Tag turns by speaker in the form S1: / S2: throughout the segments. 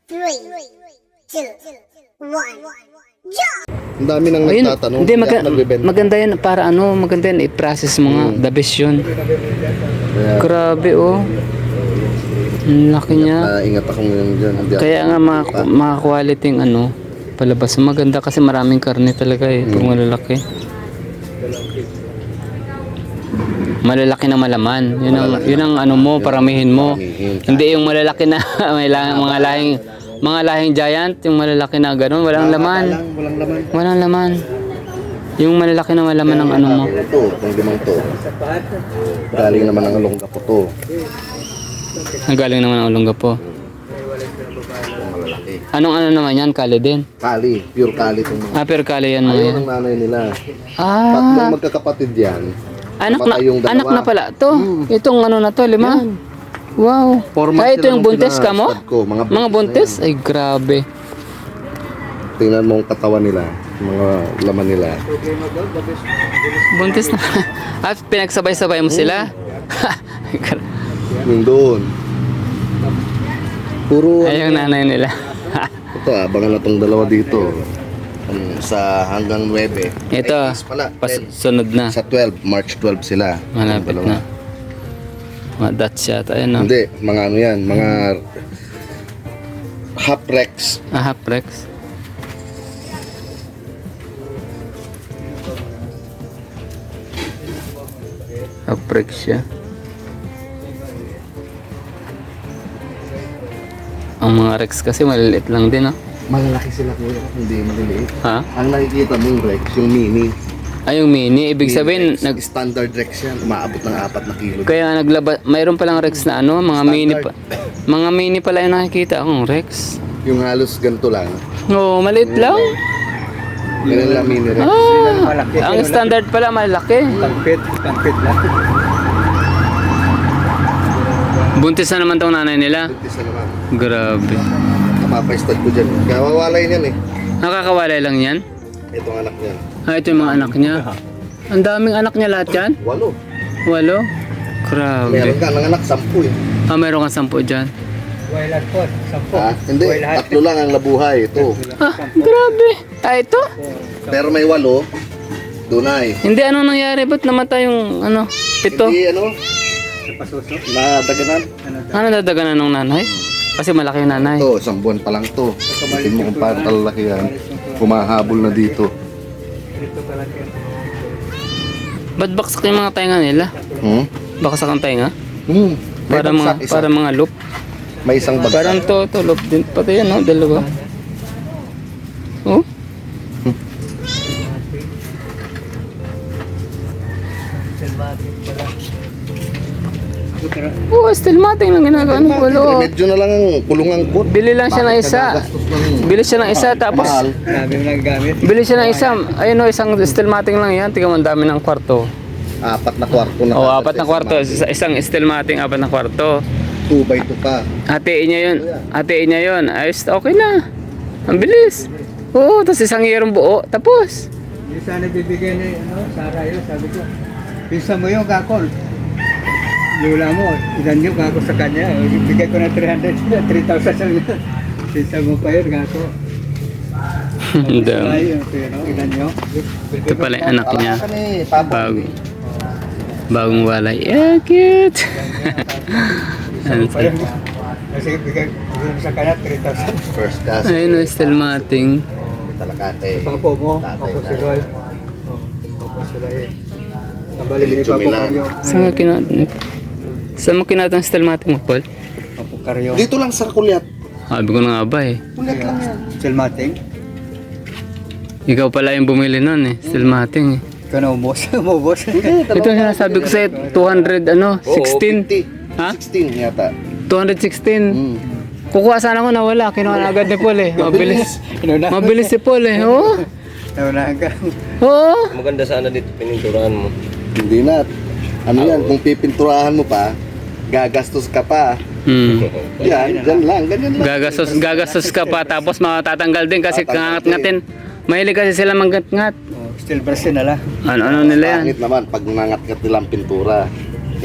S1: 3, 2, 1, jump!
S2: Ang dami nang
S3: Ayun,
S2: nagtatanong.
S3: hindi,
S2: kaya nagbebenta.
S3: maganda yan para ano, maganda yan i-process mo nga, the best yun.
S2: Kaya,
S3: Grabe oh. Ang laki niya.
S2: ingat ako ngayon dyan. Hindi ako-
S3: Kaya nga mga quality yung ano, palabas. Maganda kasi maraming karne talaga eh, pag malalaki. Malalaki na malaman. Yun ang ano mo, paramihin mo. Hindi yung malalaki na may mga lahing giant, yung malalaki na gano'n, walang laman.
S2: Walang laman.
S3: Walang laman. Yung malalaki na malaman ng ano mo.
S2: Ito, itong limang to. Galing naman ang alongga po to.
S3: Nagaling naman ang ulongga po.
S2: Malalaki.
S3: Anong ano naman yan? Kali din?
S2: Kali, pure kali itong mga.
S3: Pero kali yan mga
S2: Ayaw
S3: yan.
S2: ng nanay nila.
S3: Ah,
S2: Tatlong magkakapatid yan. Namatay yung dalawa.
S3: anak na pala to. Itong ano na to, 5. Wow.
S2: 4 months
S3: Ay, ito
S2: na
S3: yung
S2: lang
S3: buntis
S2: sila,
S3: ka mo?
S2: stud ko,
S3: Mga buntis? Ay, grabe.
S2: Tingnan mo ang katawan nila. Mga laman nila.
S3: Buntis na. At pinagsabay-sabay mo sila?
S2: Yung doon. Puro
S3: Ay, yung nanay nila.
S2: ito, abangan na tong dalawa dito. Sa hanggang 9.
S3: Ito,
S2: Pala, 10.
S3: sunod na.
S2: Sa 12, March 12 sila.
S3: Malapit
S2: Yung dalawa.
S3: na. Mga Dutch yata, ayun no?
S2: Hindi, mga ano yan, mga half rex.
S3: Half Rex. Half Rex siya. Ang mga Rex kasi maliliit lang din, no?
S2: Malalaki sila kuya, hindi maliliit.
S3: Ha?
S2: Ang nakikita mo yung rex, yung mini.
S3: Ay, yung mini. Ibig sabihin,
S2: Standard rex yan, umaabot ng 4 na kilo.
S3: kaya mayroon palang Rex na ano, mga mini pa. Mga mini pala yung nakikita akong Rex.
S2: Yung halos ganito lang.
S3: Oo, maliit lang.
S2: Ganun lang mini rex.
S3: Ang standard pala malaki.
S4: Pangpit lang.
S3: Buntis na naman tong nanay nila.
S2: Buntis na naman.
S3: Grabe.
S2: Kapapastad ko dyan. Kawawalay niyan eh.
S3: Nakakawalay lang yan?
S2: Ito ang anak niyan.
S3: Ito yung mga anak niya. Ang daming anak niya lahat yan?
S2: 8.
S3: 8? Grabe.
S2: Meron ka ng anak, 10 eh.
S3: Meron kang 10 dyan.
S4: Wailan po, 10.
S2: Ha? Hindi, 3 lang ang nabuhay. Ito.
S3: Grabe. Ito?
S2: Pero may 8. Dunay.
S3: Hindi, ano nangyari? Ba't namatay yung 7?
S2: Hindi ano,
S4: Pasuso.
S2: nadaganan.
S3: Ano dadaganan ng nanay? Kasi malaki yung nanay.
S2: Ito, 1 buwan pa lang to. Tingin mo kung paano talaki yan. Kumahabol na dito.
S4: Dito pala yan.
S3: Ba't baksak yung mga tainga nila? Baksak ang tainga?
S2: May
S3: Para
S2: bagsak isa.
S3: para mga loop.
S2: May isang bagsak.
S3: Parang to loop din. Pati yan, no? Dalawa. Oh? Oh, still mating lang ginagawa ng pulo.
S2: Medyo na lang ang kulungang kot.
S3: Bili lang siya ng isa. Bili siya ng isa tapos
S2: Mahal.
S4: Sabi mo lang gamit.
S3: bili siya ng isa. Ayun o, isang steel mating lang yan. Tingnan mo, ang dami ng kwarto.
S2: 4 na kwarto na.
S3: O, 4 na kwarto. Isang steel mating, 4 na kwarto.
S2: 2x2 pa.
S3: Hatiin niya yun. Hatiin niya yun. Ayos, okay na. Ang bilis. Oo, tapos isang yerong buo. Tapos.
S4: Hindi sana bibigyan ni Sarah yun. Sabi ko, pinsa mo yung kakol. Lula mo, ilan yung kako sa kanya. Bigay ko na 300, 3,000 sa niya. Pinsa mo pa yun, kako.
S3: Ang dami.
S4: Ay, ilan yun?
S3: Ito pala yung anak niya.
S2: Wala ka ni Pablo.
S3: Bagong walay. Yeah, cute.
S4: Pinsa mo pa yun. Kasi bigay ko sa kanya 3,000.
S2: First class.
S3: Ayun o, still mating.
S2: Talakate.
S4: Papo mo,
S2: Tatay
S4: papo
S2: na.
S4: si Roy. Papo si Roy. Nabalik ni
S2: Diretso
S4: Papo
S2: Milan.
S4: Karyo.
S3: Saan mo kinatang still mating mo, Paul?
S4: Papo Karyo.
S2: Dito lang sa kulyat.
S3: Sabi ko na nga ba eh.
S2: Kulyat lang yan.
S4: Silmating.
S3: Ikaw pala yung bumili nun eh. Still mating eh.
S4: Ikaw na umos. Umubos.
S3: Ito yung sinasabi ko sa'yo, 200
S2: Oo,
S3: 16.
S2: 50.
S3: Ha?
S2: 16 yata.
S3: 216. Kukuha sana ko na wala. Kinuha na agad ni Paul eh. Mabilis.
S4: Inuna.
S3: Mabilis si Paul eh. Oo.
S4: Naunahan ka.
S3: Oo.
S5: Maganda sana dito pininturahan mo.
S2: Hindi na. Ano yan, kung pipinturahan mo pa, gagastos ka pa. Yan, dyan lang, ganyan lang.
S3: Gagastos ka pa tapos matatanggal din kasi
S2: Tatanggal
S3: kangat-ngatin. Mahilig kasi sila manggat-ngat.
S4: Steel brush na lang.
S3: Ano nila yan?
S2: Pangit naman pag nangat-ngat nilang pintura.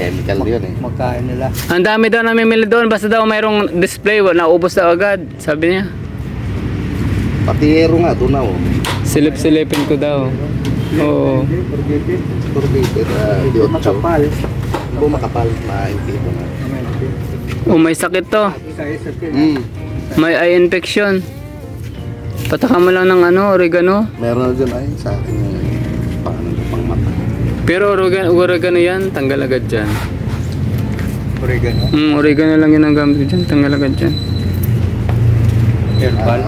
S2: Chemical yun eh.
S4: Makain nila.
S3: Ang dami daw namimili doon, basta daw mayroong display, naubos daw agad, sabi niya.
S2: Patiyero nga, doon na oh.
S3: Silip-silipin ko daw. Oo.
S2: Turbitin, di otso.
S4: Makapal.
S2: Kung makapal, mahinti mo nga.
S3: Oh, may sakit to. May eye infection. Pataka mo lang ng ano, oregano.
S2: Meron na dyan ay sa akin yung paano na pang mata.
S3: Pero oregano yan, tanggal agad dyan.
S4: Oregano.
S3: Oregano lang yun ang gamit dyan, tanggal agad dyan.
S4: Herbal.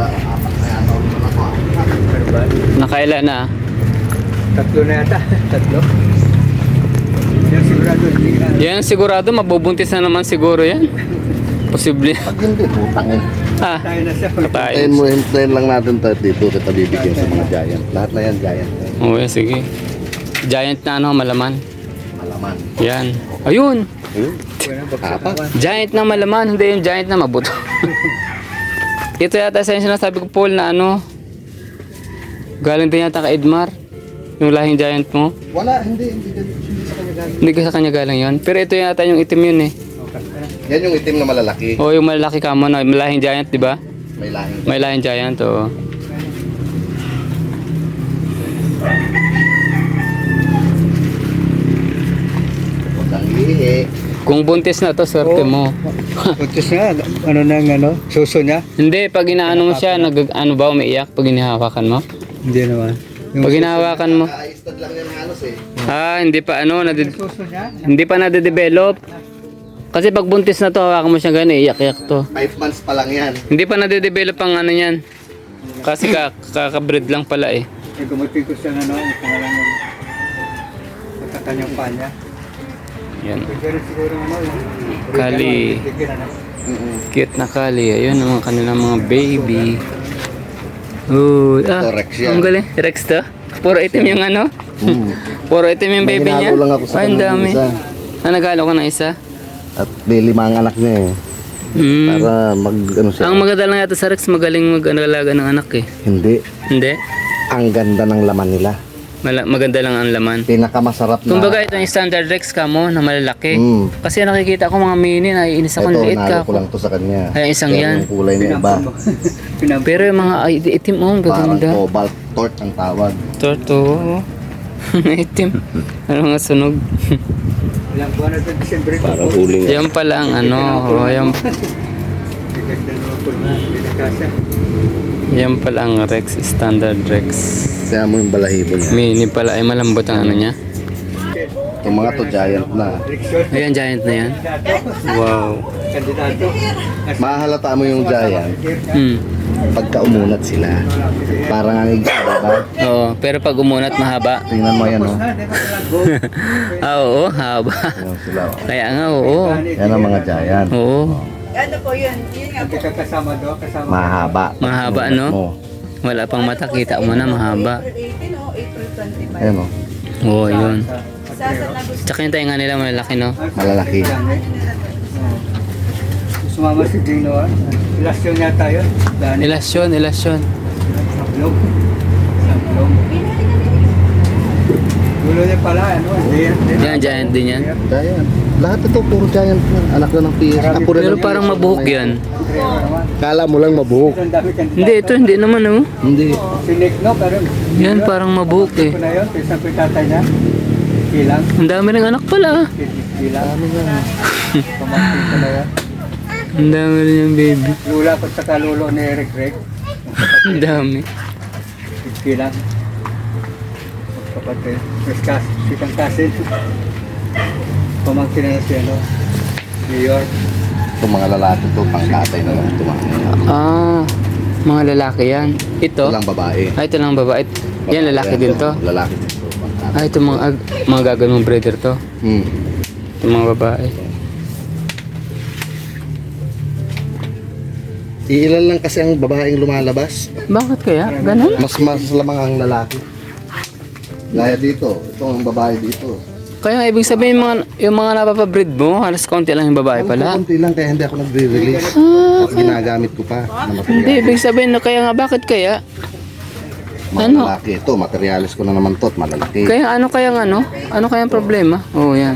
S4: Herbal.
S3: Nakailan na?
S4: Tatlo na yata. Tatlo. Yan sigurado. Hindi na.
S3: Yan sigurado, mabubuntis na naman siguro yan. Posible.
S2: Pag hindi, putang eh.
S3: Ah,
S4: Tayo na siya.
S3: patayin.
S2: Hintayin lang natin tayo dito kita bibigyan sa mga giant. Lahat na yan giant.
S3: Oo, sige. Giant na ano, malaman.
S2: Malaman.
S3: Yan. Ayun!
S2: Ayun. Apa?
S3: Giant na malaman, hindi yung giant na mabuto. Ito yata sa yung sinasabi ko, Paul, na ano, galing din yata kay Edmar. Yung lahing giant mo.
S2: Wala, hindi sa kanya galing.
S3: Hindi ka sa kanya galing yun. Pero ito yata yung itim yun eh.
S2: Yan yung itim na malalaki.
S3: O yung malalaki ka mo na, lahing giant, di ba?
S2: May lahing.
S3: May lahing giant, oo.
S2: Huwag kang lihi.
S3: Kung buntis na to, swerte mo.
S4: Puntis na. Ano nang ano? Suso niya?
S3: Hindi, pag inaano mo siya, ano ba, umiiyak pag hinahawakan mo?
S4: Hindi naman.
S3: Pag hinahawakan mo.
S2: Nakaistad lang yan halos eh.
S3: Hindi pa ano,
S4: Suso niya?
S3: hindi pa nade-develop. Kasi pag buntis na to, hawakan mo siya gano'n, iyak-iyak to.
S2: 5 months pa lang yan.
S3: Hindi pa nade-develop ang ano yan. Kasi kakabreed lang pala eh.
S4: Gumutin ko siya na ang pangalan niya. Pagkakanyang pa niya.
S3: Yan.
S4: Pero siguro ano.
S3: Kali. Cute na kali. Ayun ang mga kanilang mga baby. Oh,
S2: Ito, Rex yan.
S3: ang galing. Rex to? Puro itim yung ano? Puro itim yung
S2: May
S3: baby niya?
S2: hinalo lang ako sa
S3: Ay, ang
S2: kanya ng
S3: dami.
S2: isa.
S3: Nagalo ka ng isa?
S2: At may 5 ang anak niya eh. Para mag ano siya.
S3: Ang maganda lang yata sa Rex, magaling mag-alaga ng anak eh.
S2: Hindi.
S3: Hindi?
S2: Ang ganda ng laman nila.
S3: Maganda lang ang laman.
S2: Pinakamasarap na.
S3: Kumbaga ito yung standard Rex ka mo na malalaki.
S2: Mm.
S3: Kasi nakikita ko mga mini, naiinis ako,
S2: Ito,
S3: liit
S2: nalo
S3: ka
S2: ko lang to sa kanya.
S3: Ay, isang
S2: Pero
S3: yan.
S2: yung kulay niya iba.
S3: Pero yung mga itim mo, ang
S2: Parang
S3: gaganda.
S2: cobalt tort ang tawag.
S3: Torto. Itim. Ano nga sunog?
S4: Ilang buwan na ito, December.
S5: Parang huling.
S3: Yan pala ang ano. Oh, yan pala ang Rex, standard Rex.
S2: Kaya mo yung balahibo niya.
S3: Mini pala, ay malambot ang ano niya.
S2: Yung mga to giant na.
S3: Ayan, giant na yan. Wow.
S4: Kandidato.
S2: Mahalata mo yung giant pagka umunat sila. Parang ang igsa, diba?
S3: Oo, pero pag umunat mahaba.
S2: Tingnan mo yan, oh.
S3: Oo, haba.
S2: Yan sila, oh.
S3: Kaya nga, oo.
S2: Yan ang mga giant.
S3: Oo.
S6: Ano po yun? Yun nga po.
S4: Kita kasama doon, kasama.
S2: Mahaba.
S3: Mahaba,
S2: Umunat
S3: no?
S2: mo.
S3: Wala pang mata, kita mo na mahaba.
S6: April 18 o April 25?
S2: Ayan, oh.
S3: Oo, yun.
S6: Sasa na gusto.
S3: Tsaka yung tainga nila malalaki, no?
S2: Malalaki.
S4: Sumama si Dino, ah. Ilasyon yata yun. Dani.
S3: Ilasyon.
S4: Sablog. Sablog. Gulo niya pala, ano?
S3: Yan, giant din yan.
S2: Giant. Lahat ito, puro giant na. Anak na ng PS. Ako rin
S3: Pero
S2: ang
S3: parang
S2: PS.
S3: mabuhok yan.
S2: Kala mo lang mabuhok.
S4: Ang dami kandidato.
S3: Hindi, ito hindi naman, oh.
S2: Hindi.
S4: Sinik, no? Pero
S3: Yan, parang mabuhok eh.
S4: ko na yun, isang ko yung tatay niya. Kilang.
S3: Ang dami ng anak pala.
S4: Kilang. Pamangkin ko na yan.
S3: Ang dami rin yung baby.
S4: Lula ko sa kalulo ni Eric Rek.
S3: Ang dami.
S4: Kilang. Kapatid. Mas sikang kasin. Pamangkin na siya, no? New York.
S2: Itong mga lalaki to, pang tatay na lang ito.
S3: Mga lalaki yan. Ito?
S2: Ito lang babae.
S3: Ito lang babae. Yan, lalaki din to.
S2: Lalaki din to. pang tatay.
S3: Ito mga gagawin mong breeder to. Ito mga babae.
S2: Iilan lang kasi ang babaeng lumalabas.
S3: Bakit kaya? Ganun?
S2: Mas lamang ang lalaki. Gaya dito. Ito ang babae dito.
S3: Kaya ibig sabihin yung mga napapabreed mo, halos konti lang yung babae pala.
S2: Konti lang kaya hindi ako nagre-release. At ginagamit ko pa na
S3: Hindi,
S2: material.
S3: ibig sabihin na kaya nga, bakit kaya?
S2: Mga
S3: ano?
S2: lalaki. Ito, materialis ko na naman to at malalaki.
S3: Kaya ano kayang ano? Ano kayang problema? Oh, yan.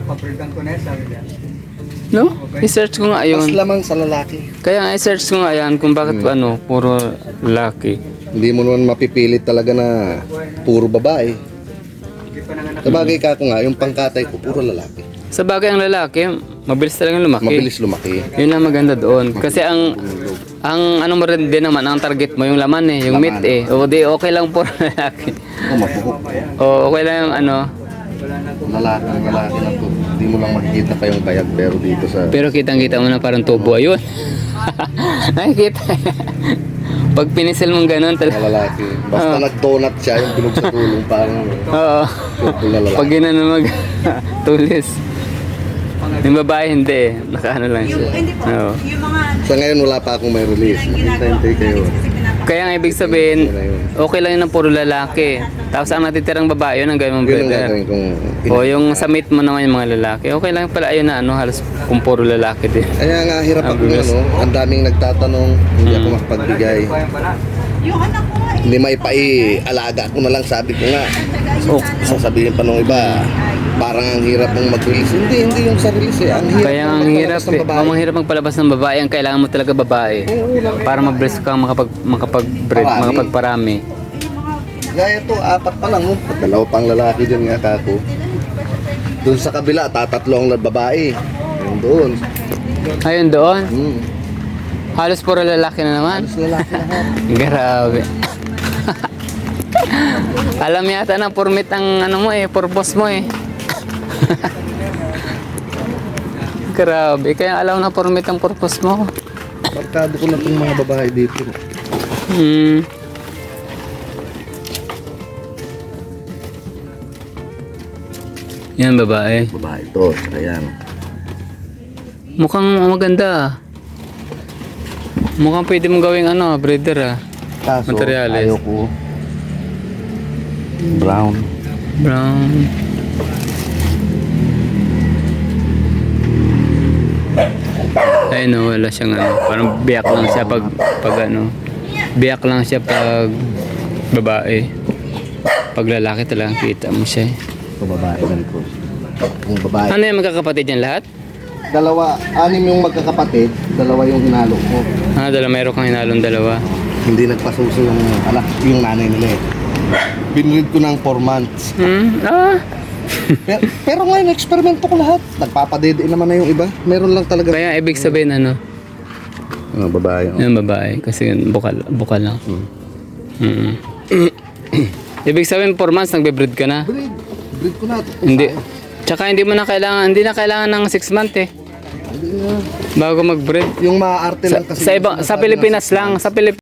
S4: pabridan ko na yan, sabi niya.
S3: No? I-search ko nga
S2: Mas
S3: yun.
S2: lamang sa lalaki.
S3: Kaya i-search ko nga yan kung bakit ano, puro lalaki.
S2: Hindi mo naman mapipilit talaga na puro babae.
S4: Hindi pa nanganak.
S2: Sabagay ka ko nga, yung pangkatay ko, puro lalaki.
S3: Sa bagay ang lalaki, mabilis talagang lumaki.
S2: Mabilis lumaki.
S3: Yun ang maganda doon. Kasi ang ano mo rin din naman, ang target mo yung laman eh, yung meat eh. O di okay lang puro lalaki.
S2: Mapuhok.
S3: O okay lang yung ano.
S2: Lalaki na to. Hindi mo lang makikita pa yung bayag, pero dito sa...
S3: Pero kitang-kita mo na parang tubo ayun. Nakikita. Pag pinisil mong ganun talaga.
S2: Mga lalaki. Basta nag-donut siya, yung bilog sa tulong, parang
S3: Oo.
S2: purple na lalaki.
S3: Pag ginano mag tulis. Yung babae hindi eh. Nakaano lang siya.
S6: Hindi po.
S3: Oo.
S6: Yung mga
S2: Sa ngayon, wala pa akong may release. Hintay kayo.
S3: Kaya ang ibig sabihin, okay lang yun ng puro lalaki. Tapos ang natitirang babae, yun ang gawin mong
S2: Yun ang
S3: brother.
S2: gagawin kong...
S3: O yung sa meet mo naman yung mga lalaki. Okay lang pala ayun na ano, halos kung puro lalaki din.
S2: Kaya nga, hirap ako
S3: Ang
S2: ano. Ang daming nagtatanong, hindi ako makapagbigay.
S4: Bayan pala.
S6: yung anak ko nga eh.
S2: Hindi maipa-alaga ko na lang, sabi ko nga.
S3: Oh,
S2: Sasabihin pa nung iba, parang ang hirap mong mag-release. Hindi yung sa release eh. Ang hirap
S3: kaya ang
S2: ng
S3: hirap
S2: palabas ng
S3: eh.
S2: babae.
S3: Ang hirap magpalabas ng babae. Ang kailangan mo talaga babae. Para mag-breast ka, makapag-breed,
S2: Parami.
S3: makapagparami.
S2: Gaya to, 4 pa lang. Oh. Dalawa pang lalaki dyan nga kako. Doon sa kabila, 3 ang babae. Ayun doon.
S3: Ayun doon.
S2: Hmm.
S3: Halos puro lalaki na naman.
S2: Halos lalaki lahat.
S3: Grabe. Alam yata na permit ang ano mo eh, purpose mo eh. Grabe, kaya alam na permit ang purpose mo.
S2: Markado ko na itong mga babae dito.
S3: Hmm. Yan babae.
S2: Babae to, saka yan.
S3: Mukhang maganda ah. Mukhang pwede mong gawing ano, breeder ah.
S2: Kaso,
S3: Materyales.
S2: ayaw ko. Brown.
S3: Brown. Ay no, wala siyang ano. Parang biyak lang siya pag ano. Biyak lang siya pag babae. Pag lalaki talagang kita mo siya eh.
S2: Ito babae ganito. Yung babae.
S3: Ano yung magkakapatid yan lahat?
S2: 6 yung magkakapatid, 2 yung hinalo ko.
S3: Ah, meron kang hinalong dalawa.
S2: Hindi nagpasuso yung anak, yung nanay nila eh. Binread ko ng 4 months.
S3: Ah.
S2: Pero ngayon, eksperimento ko lahat. Nagpapadede naman na yung iba. Meron lang talaga.
S3: Kaya ibig sabihin ano?
S2: Babae.
S3: Yung babae. Kasi bukal lang. Mm. Ibig sabihin 4 months nagbe-breed ka na?
S2: Breed ko na.
S3: Hindi. Tsaka hindi na kailangan ng 6 months eh. Bago mag-breed.
S2: Yung maaarte lang kasi.
S3: Sa Pilipinas lang, sa Pilipinas